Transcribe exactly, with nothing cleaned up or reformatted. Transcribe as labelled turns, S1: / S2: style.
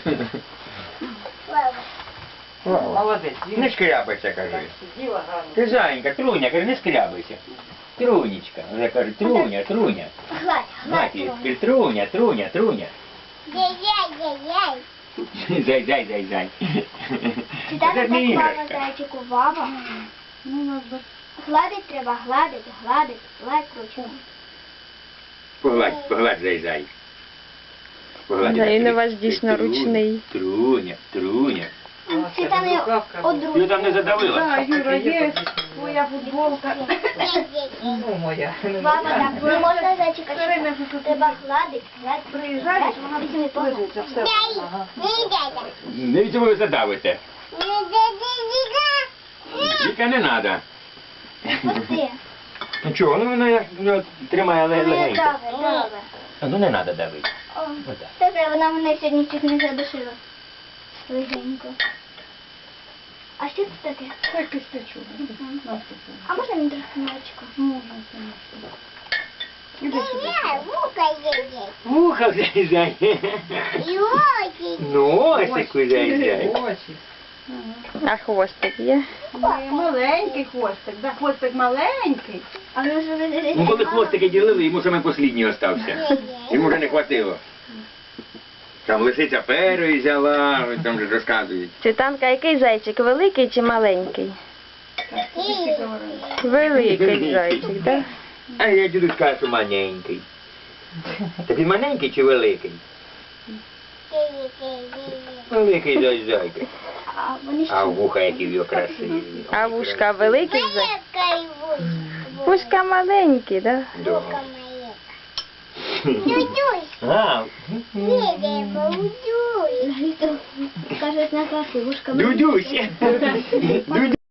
S1: Молодець.
S2: Не шкрябайся, кажи.
S1: Сиділа гарно.
S2: Ти зайенька, Труня, каже, не шкрябайся. Трунечка. Вже каже, Труня, Труня.
S3: Гладь, гладь.
S2: Мати, тепер Труня, Труня, Труня.
S3: Яй-яй-яй-яй.
S2: Зай, зай, зай, зай.
S3: Чи так
S2: Це
S3: так
S2: не
S3: мама
S2: іграшка.
S3: зайчику баба?
S1: Ну, надо.
S3: Гладить треба, гладить, гладить, гладь ручку.
S2: Погладь, погладь, зай, зай. Погладь.
S4: Да, він у вас
S2: Труня,
S4: дійсно ручний.
S2: Труня, Труня.
S3: Чи там не
S2: Ти
S3: одружка?
S2: там не задавила?
S1: Так, Юра, є твоя футболка. Ну, моя.
S3: Баба, так, не можна зайчика
S1: Все время
S3: чекати.
S1: тут
S3: Треба гладить, гладить.
S1: Приїжджаєш, вона
S3: Візьми, погладь.
S1: лежиться, все. Ага.
S2: Не від ви задавите. Віка не треба.
S3: Пусти.
S2: Ну чого, ну вона як, ну, тримає ле-
S3: Не
S2: легенько.
S3: дави, дави.
S2: А ну не треба давити.
S3: О,
S2: Отак.
S3: Добре, вона мене сьогодні чуть не задушила. Легенько. А що це таке?
S1: Ой, кистечу.
S3: А можна мені трохи молочко?
S1: Можна, звісно. Іди сюди.
S2: Муха, зай, зай. Носику, зай, зай.
S1: Очі.
S4: А хвостик є?
S1: Ой, маленький хвостик, да, хвостик маленький.
S3: А ну що ви
S2: Ну коли хвостики ділили, йому саме послідній остався. Йому вже не хватило. Там лисиця перої взяла, там же розказують.
S4: Цвітанка, який зайчик, великий чи маленький?
S1: Так, тобі всі говорили.
S4: Великий зайчик, так?
S2: А я дідусь кажу, що маленький. Так він маленький чи великий? Великий зай, зайка.
S3: А вони
S2: А
S3: що?
S2: вуха які в його красиві.
S4: А вушка великий зайчик? Вушка маленькі, так?
S2: Да.
S3: Дюдюсь.
S2: А,
S3: Кажуть, на кафе, вушка
S2: Дудюсь. Дудюсь.